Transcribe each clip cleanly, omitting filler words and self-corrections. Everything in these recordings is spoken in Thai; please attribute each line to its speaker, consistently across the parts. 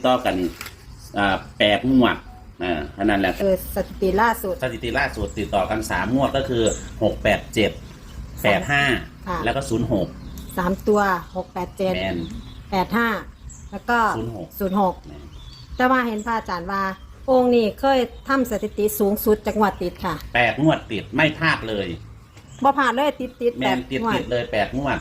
Speaker 1: ต่อกัน8 งวดขนาดแหละ
Speaker 2: สถิติล่าสุด
Speaker 1: ติดต่อกัน3 งวดก็คือ6 8 7 8 5แล้วก็06
Speaker 2: 3 ตัว6 8 7 8 5แล้วก็06แต่ว่าเห็นพระอาจารย์ว่าองค์นี้เคยทำสถิติสูงสุดจากงวดติดค่ะ
Speaker 1: 8 งวดติดไม่พลาดเลย
Speaker 2: บ่ผ่านเลยติด
Speaker 1: แมนติดเลย8 งวด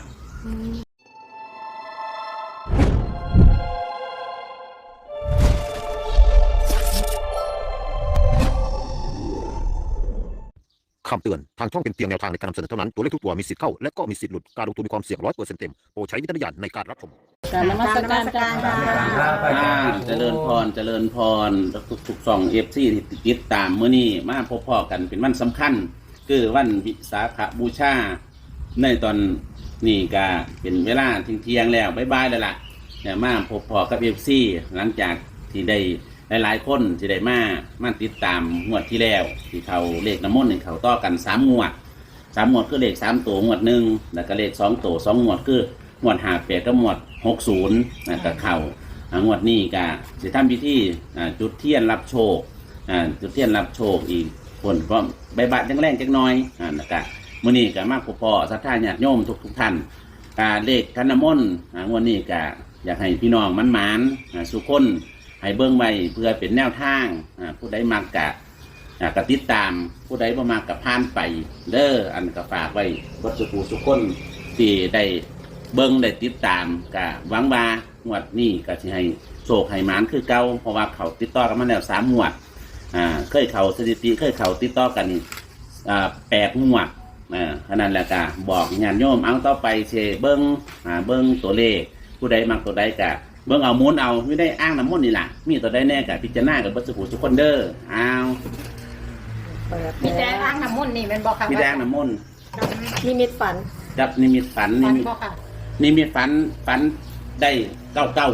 Speaker 3: คำเตือนทางช่องเป็นเพียงแนวทางในการนำเสนอเท่านั้นตัวเลขทุกตัวมีสิทธิ์เข้าและก็มีสิทธิ์หลุดการลงทุนมีความเสี่ยง100%เต็มโปรดใช้วิจารณญาณในการรับชม
Speaker 2: การนมัสการ
Speaker 1: เจริญพรทุกๆ2 FC ที่ติดตามมื้อนี้มาพบพ่อกันเป็นวันสำคัญคือวันวิสาขบูชาในตอนนี้ก็เป็นเวลาเที่ยงแล้วบ๊ายๆแล้วล่ะเนี่ยมาพบพ่อกับ FC หลังจากที่ได้หลายคนที่ได้มาติดตามงวดที่แล้วที่เขาเลขน้ำมนต์เขาต่อกัน3 งวดคือเลข3 ตัวงวด1แล้วก็เลข2 ตัว2 งวดคืองวด58กับงวด60นะก็เข้างวดนี้ก็จะทำพิธีจุดเทียนรับโชคจุดเทียนรับโชคอีกคนก็ใบบัตรยังแรงจักหน่อยนะครับมื้อนี้ก็มาพบพ่อศรัทธาญาติโยมทุกท่านเลขขันน้ำมนต์งวดนี้ก็อยากให้พี่น้องมันหมานสุขคนให้เบิ่งไว้เพื่อเป็นแนวทางผู้ใดมักกะติดตามผู้ใดบ่มักกะผ่านไปเด้ออันก็ฝากไว้วัดสุขุสุขคนที่ได้เบิ่งได้ติดตามกะหวังว่างวดนี้ก็สิให้โชคให้หมานคือเก่าเพราะว่าเขาติดต่อกันมาแล้ว3 งวดเคยเขาสถิติเคยเขาติดต่อกัน8 งวดขนาดแล้วก็บอกญาติโยมเอาต่อไปเชเบิ่งตัวเลขผู้ใดมักตัวใดกะเบิ่งเอามูลเอาไม่ได้อ้างน้ำมนต์นี่ล่ะมีตัวได้แน่กับพิจารณากับบัสกุทุกคนเด้อ
Speaker 2: มีแต่อ้างน้ำมนต์นี่เป็นบอกค่ะ
Speaker 1: มีแต่อ้างน้ำมนต์
Speaker 2: นิมิตฝัน
Speaker 1: จับนิมิตฝันนิมิตฝันได้9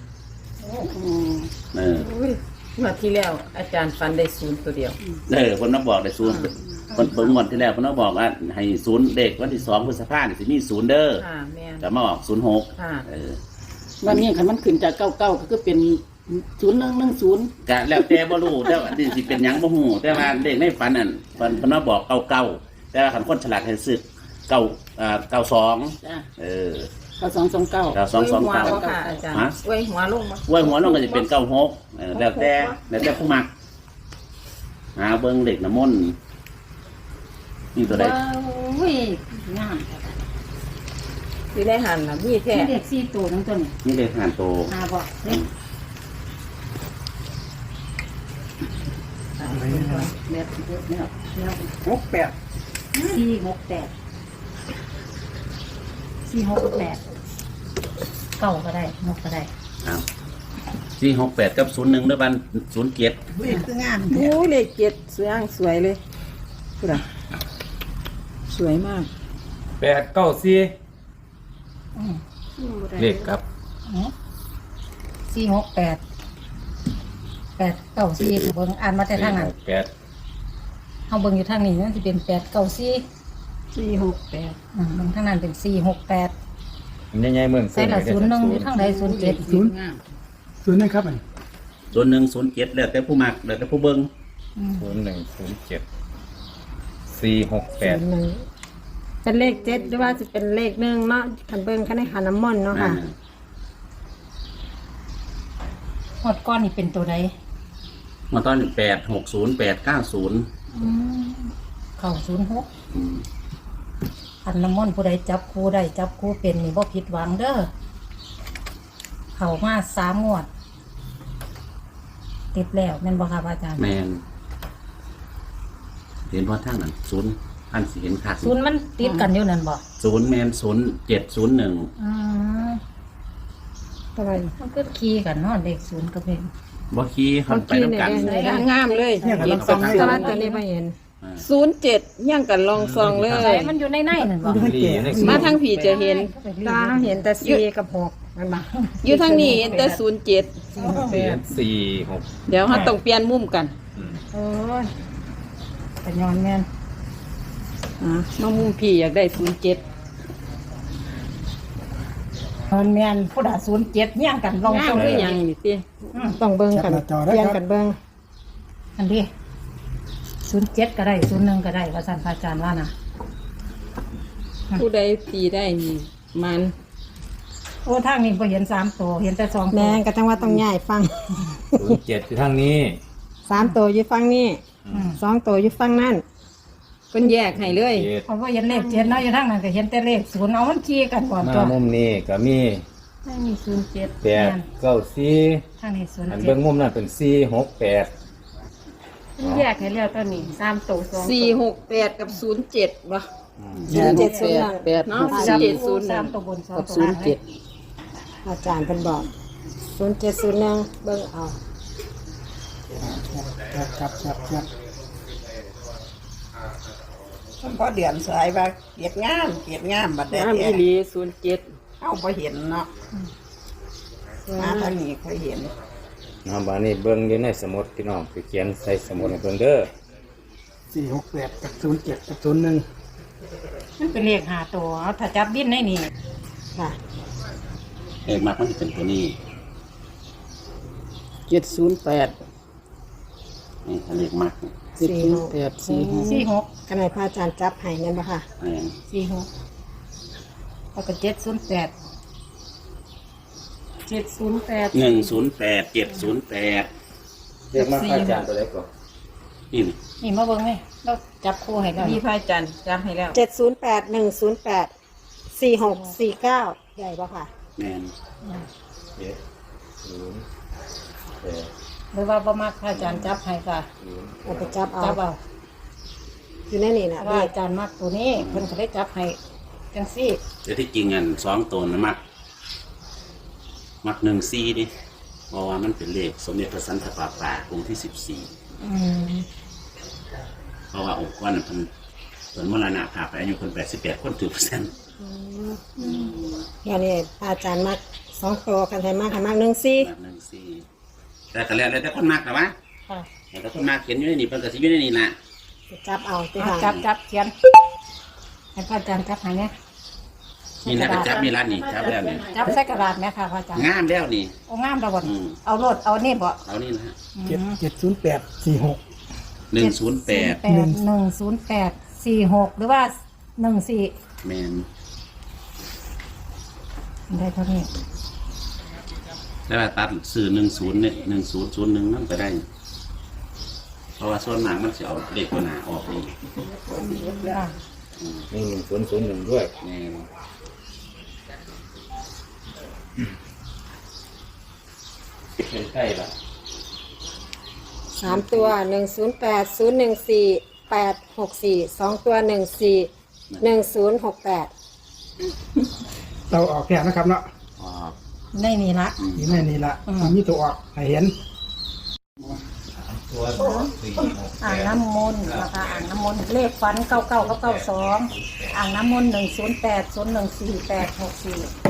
Speaker 4: เมื่อที่แล้วอาจารย์ฟันได้0 ตัวเดียว
Speaker 1: คนนักบอกได้0คนเบิ่งงวดที่แล้วคนนักบอกว่าให้0เด็กวันที่2 พฤษภาคมสิมี0เด้อจะมาออก06
Speaker 4: วันนี้คันมันขึ้นจาก99ก็คือเป็น0110
Speaker 1: ก็แล้วแต่บ่รู้แต่ว่าสิเป็นหยังบ่ฮู้แต่ว่าเลขในฝันนั่นฝันว่าบอก99แต่ว่าคันคนฉลาดให้ซื้อ92
Speaker 4: จ้ะ9229
Speaker 1: ค่ะ
Speaker 4: อาจารย์ไว้หัวลงบ่
Speaker 1: ไว้หัวลงก็สิเป็น96แล้วแต่ผู้มักเบิ่งเลขน้ำมนต์นี่ตัวใด
Speaker 2: อุ้ยงาม
Speaker 4: สิได้หันน่ะมีแท้
Speaker 2: เลข4 ตัวทั้งตัว
Speaker 1: นี่เลขหันโต
Speaker 2: บ่468ก็ได้6ก็ได้
Speaker 1: 468กับ01ด้วยบัน07
Speaker 2: เลขคืองาม
Speaker 4: โอ้เลข7สวยเลยพูดอ่ะสวยมาก
Speaker 5: 894เลขครับ
Speaker 2: 468 894เบิ่งอ่านมาแต่ทางนั้น
Speaker 5: 8
Speaker 2: เฮาเบิ่งอยู่ทางนี้มันสิเป็น894
Speaker 4: 468
Speaker 2: เบิ่งทางนั้นเป็น468
Speaker 5: ใหญ่ๆเมือง
Speaker 2: ใส่ละ01อยู่ทางใด07
Speaker 6: 0นะครับ
Speaker 1: 0107แล้วแต่ผู้มักแล้วแต่ผู้เบิ่ง
Speaker 5: 0107 468
Speaker 2: เป็นเลข7หรือว่าจะเป็นเลข1เนาะคันเบิ่งคันในขันน้ำมนต์เนาะค่ะหมดก้อนนี่เป็นตัวใด
Speaker 1: มาตอน860 890
Speaker 2: เข้า06ขันน้ำมนต์ผู้ใดจับคู่ได้จับคู่เป็นนี่บ่ผิดหวังเด้อเข้ามา3 งวดติดแล้วแม่นบ่ครับอาจารย์
Speaker 1: แม่นเห็นพอทางนั้น0อันสิเห็นคัก
Speaker 2: 0มันติดกันอยู่นั่นบ่
Speaker 1: 0แม่น0701
Speaker 2: อะไรมันก็คีย์กันเนาะเด็ก0กับเลข
Speaker 1: บ่คีย์ไปนำกัน
Speaker 4: งามเลย
Speaker 2: อีก2ตัวตัวนี้บ่เห็น
Speaker 4: 07ยังกันลองซองเลย
Speaker 2: มันอยู่ในนั่นบ่
Speaker 4: มาทางผีจะเห็น
Speaker 2: ตาเห็นแต่4กับ6มันบ่
Speaker 4: อยู่ทางนี้แต่
Speaker 5: 46
Speaker 4: เดี๋ยวเฮาต้องเปลี่ยนมุมกัน
Speaker 2: โอ้ยแต่ย้อนแม่น
Speaker 4: มามุมพี่อยากได้07
Speaker 2: มันแม่นผู้ใด07เฮี้ยงกันลอง
Speaker 4: งาม
Speaker 2: ส่ง
Speaker 4: คื
Speaker 2: เล
Speaker 4: อย หยังนี่ติ
Speaker 6: ต้องเบิ่งกัน
Speaker 7: แคปหน้าจอได้
Speaker 6: เปลี่ยน
Speaker 7: ครับ
Speaker 6: กันเบิ่ง
Speaker 2: อันนี้07ก็ได้01ก็ได้ว่าซั่นพระอาจารย์ว่านะ
Speaker 4: ผู้ใดตีได้นี่มัน
Speaker 2: โอ้ทางนี้บ่เห็น3ตัวเห็นแต่2ตัว
Speaker 6: แม่งก็จังว่าต้องย้ายฟัง
Speaker 5: 07อยู่ทางนี้
Speaker 6: 3 ตัวอยู่ฟังนี่2 ตัวอยู่ฟังนั่น
Speaker 4: เพิ่นแยกให้เลย
Speaker 5: 7
Speaker 2: เขาบ่เห็นเลข7เนาะอยู่ทางนั้นก็เห็นแต่เลข0เอามันขี้กันก่อน
Speaker 5: มา
Speaker 2: ตัว
Speaker 5: มุมนี้ก็มี
Speaker 2: ไม่มี07
Speaker 5: 8 9
Speaker 2: ทางนี้
Speaker 5: 4อันเบิ่ง
Speaker 2: 07
Speaker 5: มุมนั้นเป็น4 6 8
Speaker 2: แยกให้แล้วตัวนี้3ตัว2
Speaker 4: 468 กับ 07บ่
Speaker 6: 07
Speaker 4: เนาะ
Speaker 2: 3ตัวบน2ตัวล่าง
Speaker 6: อาจารย์เพิ่นบอก0701เบิ่งเอา
Speaker 7: ครับ
Speaker 8: มันพอเดือนสายว่าเกียดงามบัดเด็
Speaker 4: งามอีหลี07
Speaker 8: เอาพอเห็นเนาะมาทางนี้ค่อยเห็น
Speaker 5: น้องบ้านนี้เบิ่งอยู่ในสมุดพี่น้องไปเขียนใส่สมุดให้เบิ่งเด้อ
Speaker 7: 468กับ07กับ01
Speaker 2: มันเป็นเลข5ตัวเอาถ้าจับบินในนี่
Speaker 6: ค่ะ
Speaker 1: เลขมากมันจะเป็นตัวนี้
Speaker 8: 708
Speaker 1: นี่เลขมาก
Speaker 8: 708
Speaker 2: 46
Speaker 6: ขณะพระอาจารย์จับให้นั่นบ่ค่ะ
Speaker 1: อะไรอย่าง
Speaker 2: 46แล้วก็708 708
Speaker 1: 108 708
Speaker 5: เรียกมาอาจารย์ตัวเล็กก่อน
Speaker 1: นี่
Speaker 2: นี่มาเบิ่งนี่เราจับคู่ให้แล้ว
Speaker 4: มีพระอาจารย์จำให้แล้ว
Speaker 6: 708 108 4649ใหญ่บ่ค่ะ
Speaker 1: แม่น
Speaker 2: หรือว่าบ่มักพระอาจารย์จับให้ค่ะ
Speaker 6: เอาไปจับเอา
Speaker 2: จับเอา
Speaker 6: อยู่ในนี่นะ
Speaker 2: เพราะว่าอาจารย์มักตัวนี้เพิ่นก็ได้จับให้จังซี่
Speaker 1: แต่ที่จริงอัน2ตัวนะมัก14ดิเพราะว่ามันเป็นเลขสมเด็จพระสันตะปาปาองค์ที่14เพราะว่าองค์กรนั้นเพิ่นมรณภาพไปอายุเพิ่น88คนถือเปอร์เซ็นต์
Speaker 6: เดี๋ยวนี้พระอาจารย์มัก2ตัวกันให้มากให้มาก14
Speaker 1: แบบ14แต่ก็แล้วแต่คนมักนะวะ
Speaker 2: ค่ะ
Speaker 1: แต่คนมักเขียนอยู่ในนี่เพิ่นก็สิอยู่ในนี่ล่ะ
Speaker 6: จับเอาติ
Speaker 2: เอา
Speaker 6: ค่ะ
Speaker 2: จับเขียนให้พระอาจารย์จับให้เนี่ย
Speaker 1: นี่นะก็จับมีร้านนี่จับแล้วนี่
Speaker 2: จับใส่กระดาษไหมค่ะพระอาจารย์
Speaker 1: งามแล้วนี่
Speaker 2: โอ้งามดอกบ่
Speaker 1: อืม
Speaker 2: เอาโลดเอานี่บ่
Speaker 1: เอานี่นะฮะ
Speaker 7: 708 46
Speaker 1: 108
Speaker 2: 108 46หรือว่า14
Speaker 1: แมน
Speaker 2: ได้เท่านี้
Speaker 1: แล้วว่าตัดสื่อ10เนี่ย1001นั่นก็ได้ เพราะว่าส่วนมากมันจะเอาเลขตัวหน้าออกนี่
Speaker 2: ค่ะ
Speaker 5: มี1001ด้วย
Speaker 1: แม่น
Speaker 5: เป็นใกล้ละ
Speaker 6: 3ตัว108 014 864 2ตัว14 1068
Speaker 7: เราออกแค่นะครับเนาะ
Speaker 1: ออก
Speaker 2: ในนี่ละ
Speaker 7: นี่แม่นี่ละมันมีตัวออกให้เห็น
Speaker 5: ตัว
Speaker 2: อ่างน้ำมนต์นะคะอ่างน้ำมนต์เลขฟัน99กับ92อ่างน้ำมนต์108 014 864